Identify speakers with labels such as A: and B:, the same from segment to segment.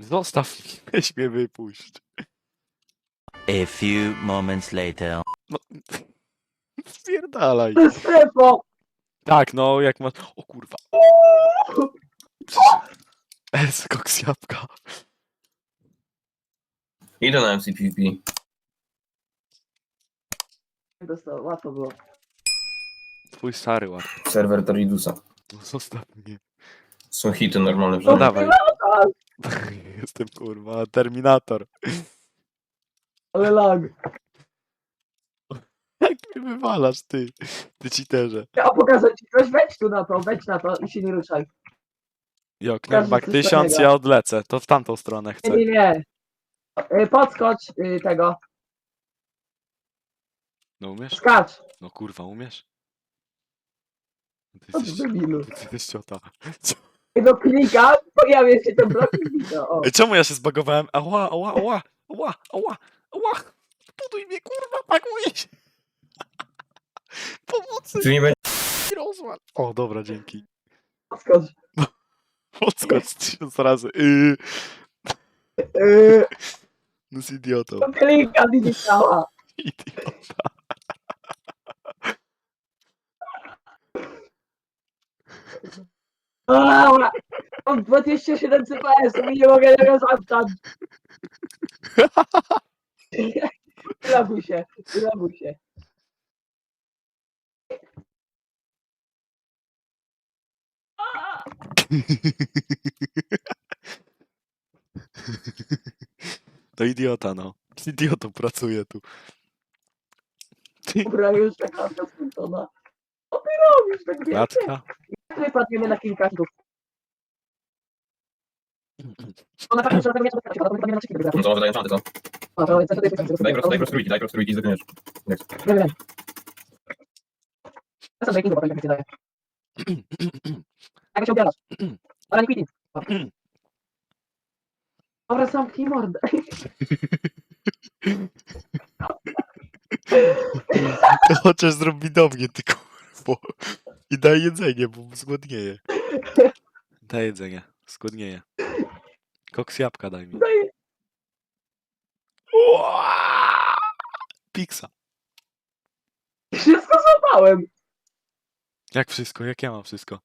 A: Zostaw mnie, weź mnie wypuść.
B: A few moments later.
A: No, spierdalaj.
C: Strefo!
A: Tak, no, jak masz... O kurwa. Koks jabłka.
D: Idę na MCPP.
C: Dostał, łatwo było.
A: Twój stary ład.
D: Serwer Toridusa.
A: No, zostaw mnie.
D: Są hity normalne w
A: No
D: życiu.
A: dawaj. Jestem kurwa Terminator.
C: Ale lag.
A: Jak mnie wywalasz, ty? Ty cheaterze.
C: Ja pokażę ci coś, wejdź na to i się nie ruszaj.
A: Jo,
C: Każdy
A: Knerbak
C: coś
A: 1000,
C: innego.
A: ja odlecę. To w tamtą stronę chcę.
C: Nie. Podskocz tego.
A: No umiesz?
C: Skacz.
A: No kurwa, umiesz? Ty
C: Co
A: jesteś...
C: ty debilu?
A: Ty jesteś ciota.
C: No klikam, pojawia się ten blok i widzę. O.
A: Ej, czemu ja się zbagowałem? Ała, ała, ała, ała, ała, ała. Buduj mnie, kurwa, pakuj się. Pomocy,
D: Czy nie będzie?
A: rozład. O, dobra, dzięki.
C: Podskocz.
A: Podskocz 1000 razy. No z idiotą.
C: No klikam i nie działa.
A: Idiota.
C: Dobra. Mam 27 CPS i nie mogę tego zamknąć. Wyloguj się, wyloguj się.
A: To idiota, no. Z idiotą pracuje tu. Ty,
C: Dobra, już ta klatka skończona. Co ty robisz tak wielkie?
A: klatka?
C: Wypadniemy na kilka rzutów. Ona tak muszę robić, wypadniemy na kilka
D: No
C: rzutów.
D: to może daję czanty, co?
C: No, to jest
D: Daj prosto trójki i zdechniesz.
C: Nie wiem. Ja sobie kliknę, bo tak się daje. Jak się obiadasz? Ale nie kliknij. Dobra, zamknij mordę.
A: To chociaż zrób mi do mnie, ty kurwo. I daj jedzenie, bo zgłodnieje. Daj jedzenie, zgłodnieje. Koks jabłka daj mi.
C: Daj.
A: Piksa.
C: Wszystko złapałem.
A: Jak wszystko? Jak ja mam wszystko?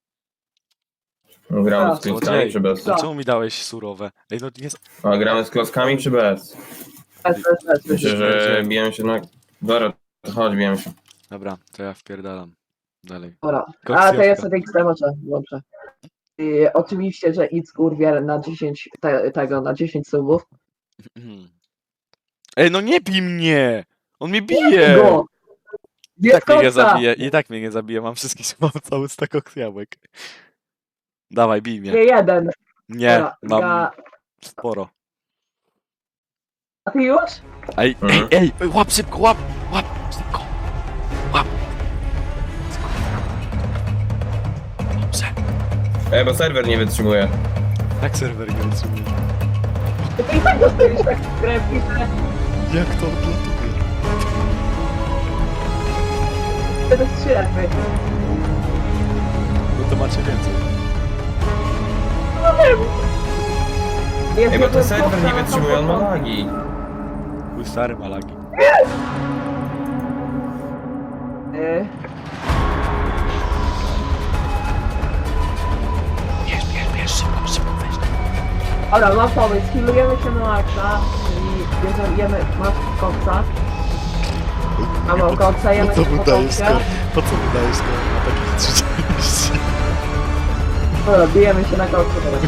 D: No, gramy z
C: A,
D: klockami
A: złodziej.
D: czy bez?
C: Co?
A: Czemu mi dałeś surowe? Ej, no nie...
D: A gramy z klockami czy bez? Myślę, że bijemy się na... Dobra, to chodź, bijemy się.
A: Dobra, to ja wpierdalam. Dalej.
C: Dobra.
A: Koks
C: A to ja
A: jabłka.
C: sobie ekstremoczę. Dobrze. Oczywiście, że idź kurwier na 10 tego, na 10 subów.
A: Ej, no nie bij mnie! On mnie bije!
C: Go!
A: I tak mnie nie
C: Koksa!
A: zabije, i tak mnie nie zabije. Mam mam cały stak koks jabłek. Dawaj, bij
C: Nie
A: mnie.
C: jeden.
A: Nie,
C: Dobra,
A: mam
C: ja...
A: sporo.
C: A ty już?
A: Ej, ej, łap szybko, łap szybko. Łap. Dobrze.
D: Bo serwer nie wytrzymuje.
A: Jak serwer nie wytrzymuje?
C: To i tak dostajesz tak krew i krew.
A: Jak to odlatuje?
C: To jest 3 jakby.
A: No to macie więcej.
C: No wiem. Jest
D: Bo
C: jeden
D: ten serwer
C: koksa
D: nie
C: na
D: wytrzymuje, on ma
C: początku.
D: lagi.
A: Mój stary malagi.
C: Y,
A: Bierz, szybko, weź.
C: Dobra, mam pomysł. Healujemy się na maksa, czyli bierzemy, masz koksa. A mam koksa,
A: Po
C: jemy
A: co
C: się
A: mu
C: po
A: dajesz
C: koksie.
A: skoro? Po co mu dajesz skoro ma takich 30?
C: Dobra, bijemy się na koksie teraz.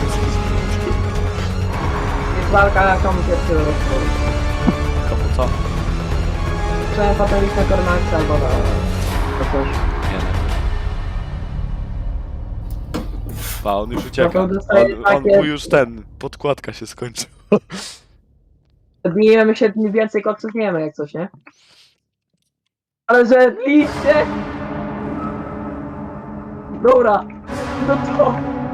C: Jest walka, komu pierwszy rozpoczął.
A: Komu co?
C: Trzeba potem iść na Cormaxa albo na... na coś.
A: Nie wiem. Pa, on już ucieka.
C: No to dostaje
A: On
C: takie-
A: mu już podkładka się skończyła.
C: Bijemy się, więcej koksów nie mamy jak coś, nie? Ale że liście! Dobra, no to...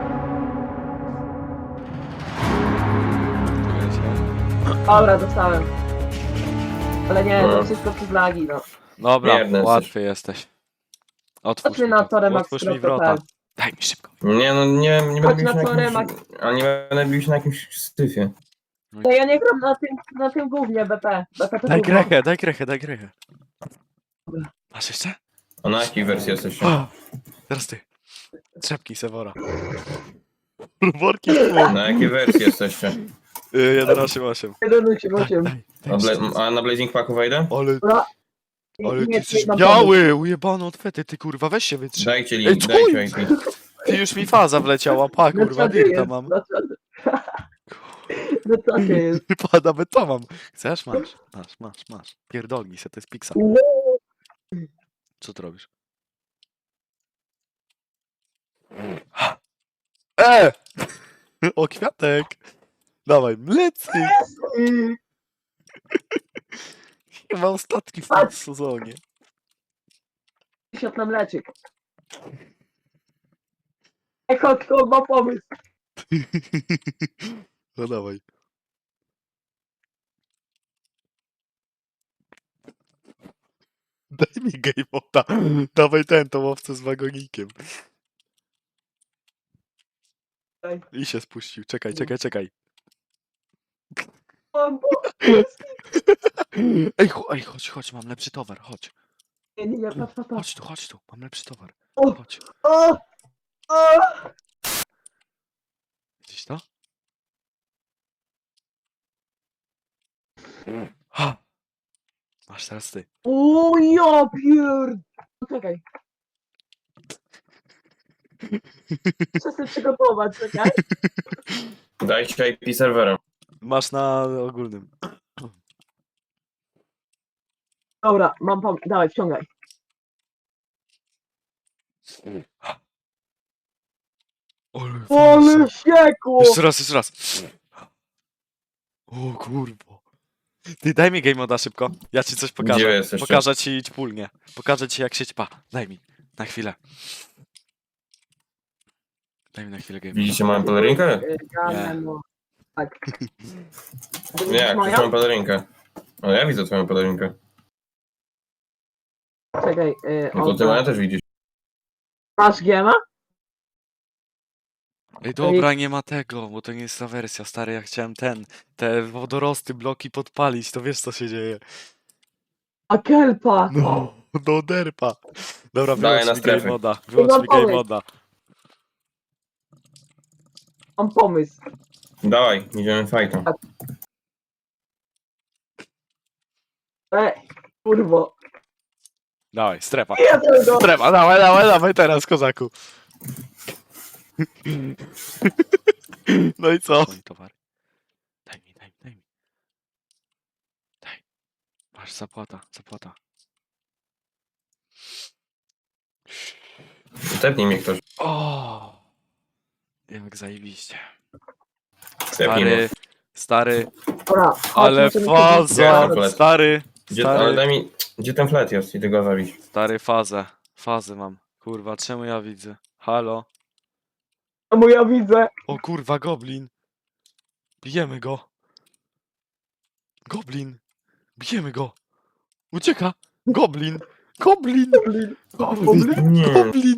C: Dobra, dostałem. Ale nie, to wszystko przez lagi, no.
A: Dobra,
D: Mierny
A: łatwy jesteś. Otwórz
C: Chodźmy
A: mi
C: na
A: to.
C: torę
A: Otwórz mi wrota. Daj mi szybko.
D: Nie, no nie
C: Chodź
D: będę bił
C: na
D: się na
C: teoremat.
D: jakimś... Ale nie będę bił się na jakimś styfie.
C: No ja nie gram na tym głównie BP. BP to
A: Daj
C: gówno.
A: grechę, daj grechę, daj grechę. Masz jeszcze?
D: A na jakiej wersji jesteście?
A: O, teraz ty. Trzepki Sewora. Worki w pół.
D: Na jakiej wersji jesteście?
A: 1.8.8.
C: 1.8.8.
D: A na Blazing Packu wejdę?
A: Ale ty
C: Nie,
A: jesteś
C: mam
A: biały, ujebany odwety, ty kurwa, weź się wytrzyj.
D: Dajcie
A: Ej,
D: link,
A: chuj!
D: dajcie IP.
A: Ty już mi faza wleciała, pa
C: pomysł.
A: kurwa, dirta mam.
C: No co to jest?
A: Pa, nawet to mam. Chcesz? Masz. Pierdolnij se, to jest Pixar. Co ty robisz? O, kwiatek! Dawaj, mlecy! Chyba ostatni w tym sezonie.
C: Siot na mleczyk. Ej, chodź, ma pomysł.
A: No dawaj. Daj mi game moda. Dawaj tą owcę z wagonikiem.
C: Daj.
A: I się spuścił. Czekaj.
C: Mam pomysł.
A: Ej, chodź, mam lepszy towar, chodź.
C: Nie, patrz.
A: Chodź tu, mam lepszy towar.
C: O!
A: Chodź.
C: O! O!
A: Widzisz to? Ha! Masz teraz ty.
C: O, ja pierd... Czekaj. Muszę sobie przygotować, czekaj.
D: Dajcie IP serwera.
A: Masz na ogólnym.
C: Dobra, mam pomysł. Dawaj, wciągaj. Ale siekło!
A: Jeszcze raz. O kurwa. Ty daj mi game moda szybko. Ja ci coś
D: Gdzie
A: pokażę.
D: jesteście?
A: Pokażę ci ćpulnie. Pokażę ci jak się ćpa. Daj mi. Na chwilę. Daj mi na chwilę game moda.
D: Widzicie moją pelerynkę?
C: No. Tak.
D: Nie, jak
C: Moja?
D: moją pelerynkę. No ja widzę twoją pelerynkę.
C: Czekaj.
D: No to ty moja też widzisz.
C: Masz giema?
A: Ej dobra, nie ma tego, bo to nie jest ta wersja, stary, ja chciałem te wodorosty, bloki podpalić, to wiesz co się dzieje.
C: A kelpa!
A: No derpa. Dobra,
D: Daję
A: wyłącz
D: na
A: mi game
D: strefy.
A: moda, wyłącz
C: Mam
A: mi game
C: pomysł.
A: moda.
C: Mam pomysł.
D: Dawaj, idziemy fajtą.
C: Kurwo.
A: Dawaj, strefa.
C: Ja tego.
A: Strefa, dawaj teraz, kozaku. No i co? Mój towar. Daj mi. Daj. Masz zapłata.
D: Tepnij mnie ktoś.
A: O, jak zajebiście.
D: Tepnij mnie.
A: Stary,
C: Dobra.
A: ale
C: chodźmy,
A: faza,
D: Gdzie?
A: stary,
D: Ale daj mi... Gdzie ten flet jest? Idę go zabić.
A: stary, fazę mam. Kurwa, czemu ja widzę? Halo?
C: Czemu ja widzę?
A: O kurwa, goblin. Bijemy go. Bijemy go. Ucieka. Goblin.
D: Nie.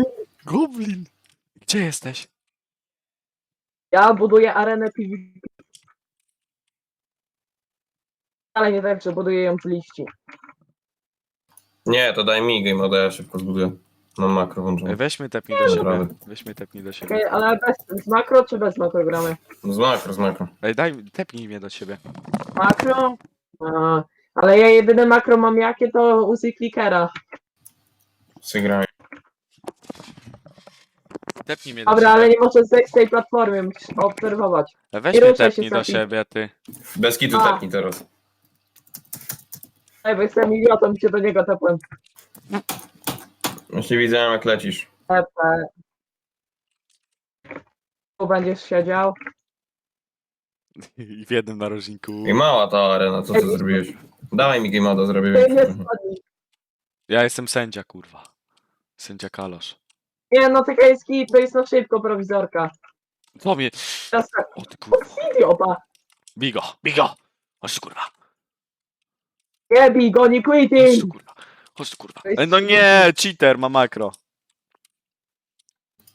A: Gdzie jesteś?
C: Ja buduję arenę PvP. Ale nie tak, że buduję ją z liści.
D: Nie, to daj mi game moda, ja szybko zbuduję. Mam makro włączone.
A: Weźmy tepnij do siebie.
D: Dobra.
C: Okej, ale z makro czy bez makro gramy?
D: Z makro.
A: Ej, tepnij mnie do siebie.
C: Makro? A, ale ja jedyne makro mam jakie to użyj clickera.
D: Sygraj.
A: Tepnij mnie do
C: Dobra, ale
A: siebie.
C: nie możesz zejść z tej platformy, musisz obserwować.
A: Weź
C: nie
A: mnie
C: ruszaj się,
A: tepnij do
C: Sofi.
A: siebie, ty.
D: Bez kitu
C: A.
D: tepnij teraz.
C: Ej, bo jestem idiotą, się do niego tepłem.
D: Jeśli widziałem jak lecisz.
C: Tepe. Tu będziesz siedział.
A: I w jednym narożniku.
D: I mała ta arena, co ty zrobiłeś? Dawaj mi game moda, zrobię
C: Ty nie
D: więcej.
C: spadnij.
A: Ja jestem sędzia, kurwa. Sędzia Kalosz.
C: Nie, no tylko jest kij, to jest na szybko prowizorka.
A: Co mnie?
C: Teraz tak,
A: O ty kurwa.
C: idiota.
A: Bigo! Chodź tu kurwa.
C: Nie bij go, nie quitting.
A: Chodź tu kurwa. Ej, no nie, cheater ma makro.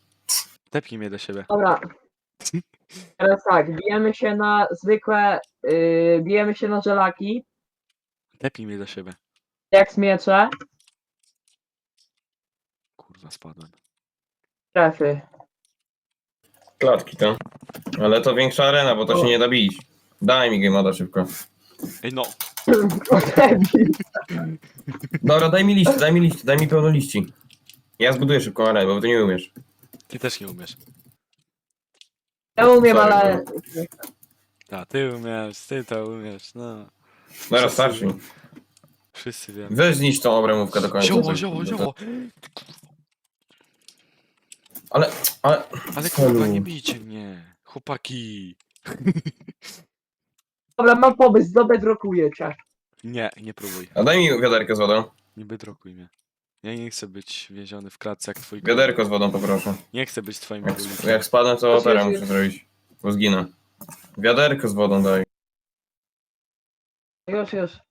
A: Tepnij mnie do siebie.
C: Dobra. Teraz tak, bijemy się na zwykłe, bijemy się na żelaki,
A: Tepnij mnie do siebie.
C: jak z miecze,
A: Kurwa, spadłem.
C: trefy.
D: Klatki to. Ale to większa arena, bo to się nie da bić. Daj mi game moda szybko.
A: Ej no,
D: Dobra, daj mi liść, daj mi pełno liści. Ja zbuduję szybko arenę, bo ty nie umiesz.
A: ty też nie umiesz.
C: Ja umiem,
D: Sorry,
C: ale...
A: A, ty umiesz, ty to umiesz, no.
D: Dobra, starszy.
A: Wszyscy wiemy.
D: Weź zniszcz tą obrębówkę do końca.
A: Zioło.
D: Ale...
A: Ale kurwa, nie bijcie mnie. Chłopaki.
C: Dobra, mam pomysł, zabedrokuję cię.
A: Nie próbuj.
D: A daj mi wiaderkę z wodą.
A: Nie bedrokuj mnie. Ja nie chcę być więziony w klatce jak twój
D: Wiaderko z wodą poproszę.
A: Nie chcę być twoim
D: Jak,
A: królem.
D: jak spadnę, to
C: Już,
D: operę
C: już.
D: muszę zrobić. Bo zginę. Wiaderko z wodą daj.
C: Już.